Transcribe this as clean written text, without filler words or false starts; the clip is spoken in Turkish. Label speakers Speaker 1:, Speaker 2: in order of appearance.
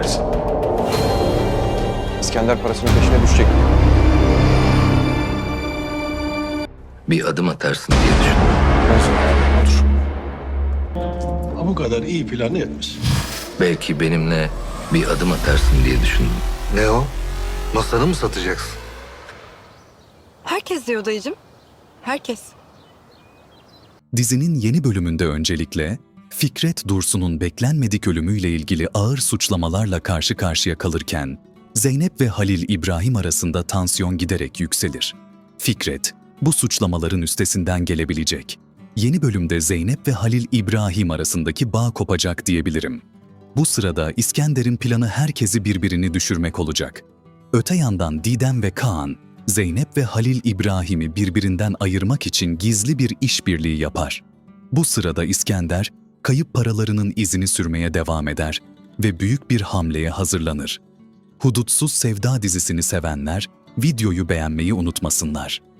Speaker 1: versin. İskender parasının peşine düşecek.
Speaker 2: Bir adım atarsın diye düşündüm.
Speaker 1: Otur.
Speaker 3: Ha, bu kadar iyi planı yapmış.
Speaker 2: Belki benimle bir adım atarsın diye düşündüm.
Speaker 4: Ne o? Masanı mı satacaksın?
Speaker 5: Herkes diyor dayıcım. Herkes.
Speaker 6: Dizinin yeni bölümünde öncelikle Fikret Dursun'un beklenmedik ölümüyle ilgili ağır suçlamalarla karşı karşıya kalırken Zeynep ve Halil İbrahim arasında tansiyon giderek yükselir. Fikret bu suçlamaların üstesinden gelebilecek. Yeni bölümde Zeynep ve Halil İbrahim arasındaki bağ kopacak diyebilirim. Bu sırada İskender'in planı herkesi birbirini düşürmek olacak. Öte yandan Didem ve Kaan, Zeynep ve Halil İbrahim'i birbirinden ayırmak için gizli bir işbirliği yapar. Bu sırada İskender, kayıp paralarının izini sürmeye devam eder ve büyük bir hamleye hazırlanır. Hudutsuz Sevda dizisini sevenler, videoyu beğenmeyi unutmasınlar.